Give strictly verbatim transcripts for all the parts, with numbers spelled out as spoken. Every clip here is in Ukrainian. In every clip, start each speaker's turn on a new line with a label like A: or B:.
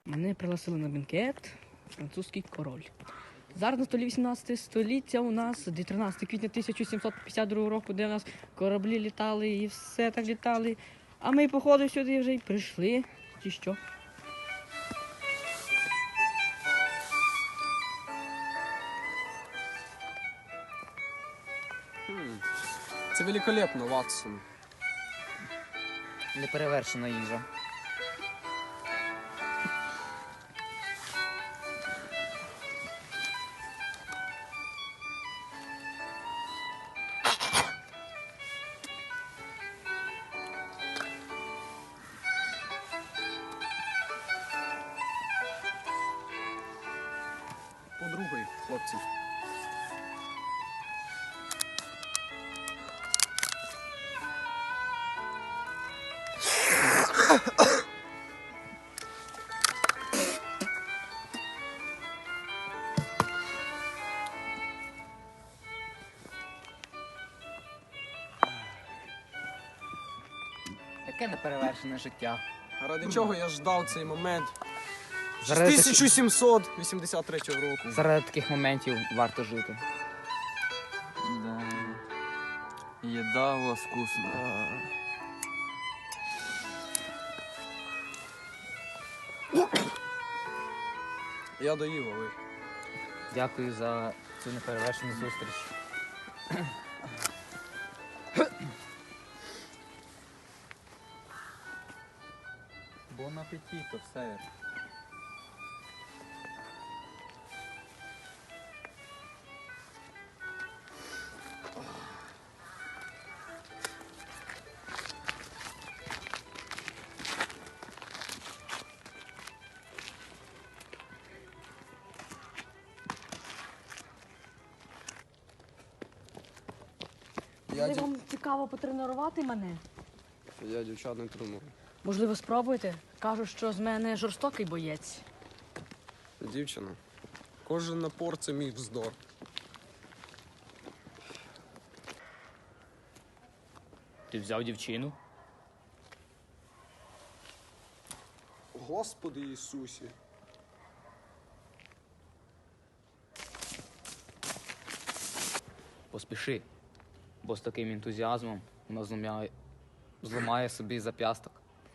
A: Мене пригласили на бенкет французький король. Зараз на столі вісімнадцяте століття у нас, де тринадцяте квітня тисяча сімсот п'ятдесят другого року, де у нас кораблі літали і все так літали. А ми, походу, сюди вже й прийшли, чи що?
B: Це великолепно, Ватсон.
C: Неперевершена їжа.
B: По-другий, хлопці.
C: Яке неперевершене життя.
B: А ради чого я ждав цей момент? З
C: Заради, таки-
B: тисяча сімсот вісімдесят третього року.
C: Заради таких моментів варто жити.
D: Да. Еда у вас вкусная.
B: Я доїв, а ви.
C: Дякую за цю неперевершену зустріч.
D: Бон аппетито, сэр.
B: Я,
A: Коли
B: дів...
A: вам цікаво потренувати мене?
B: я дівчат не треную.
A: Можливо, спробуйте? Кажуть, що з мене жорстокий боєць.
B: Дівчина. Кожен напор це мій вздор.
C: Ти взяв дівчину?
B: Господи Ісусі.
C: Поспіши, бо з таким ентузіазмом вона зламає, зламає собі зап'ясток.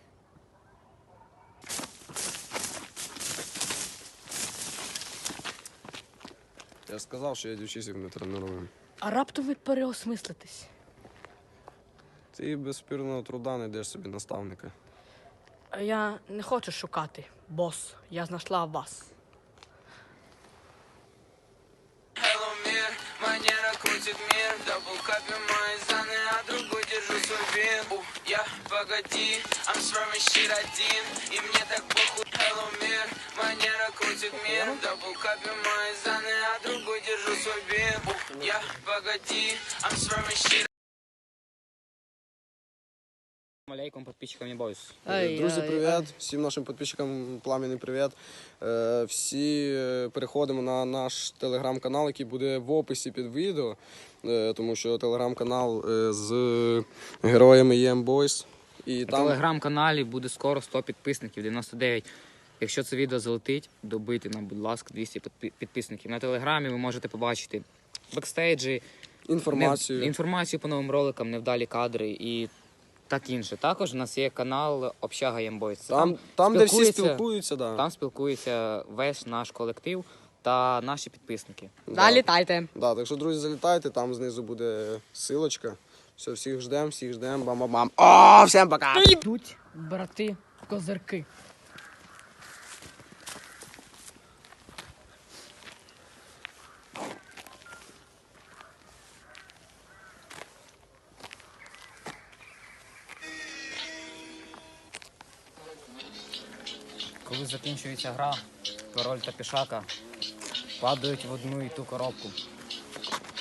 B: Я сказав, що я дівчисів не треную.
A: А раптом ви переосмислитесь.
B: Ти без спірного труда знайдеш собі наставника.
A: А я не хочу шукати, бос. Я знайшла вас.
E: Hello, мир, манера крутит мир. Даблкапе мои заны, а другой держу свой бин. У, я, погоди, I'm swerving shit один. И мне так похуй. Hello, мир, манера крутит мир. Даблкапе мои заны, а другой держу свой бин. У, я, погоди, I'm swerving shit.
C: Алейкум, підписчикам не бойся.
A: Ай,
B: Друзі,
A: ай,
B: привіт! Всім нашим підписчикам пламенний привіт. Е, Всі е, переходимо на наш телеграм-канал, який буде в описі під відео, е, тому що телеграм-канал е, з героями Єм Бойс. І
C: На
B: там
C: телеграм-каналі буде скоро сто підписників, дев'яносто дев'ять. Якщо це відео залетить, добити нам, будь ласка, двісті підпи- підписників. На телеграмі ви можете побачити бекстейджі,
B: інформацію.
C: не- інформацію по новим роликам, невдалі кадри і так інше. Також у нас є канал Общага Ямбойс.
B: Там, там де всі
C: спілкується-
B: спілкуються, да.
C: Там спілкується весь наш колектив та наші підписники.
B: Да.
A: Залітайте.
B: Да, так що, друзі, залітайте, там знизу буде силочка. Все, всіх ждемо, всіх ждемо, бам-бам-бам. О, всім пока!
A: Йдуть брати козирки.
C: Коли закінчується гра, король та пішака падають в одну і ту коробку.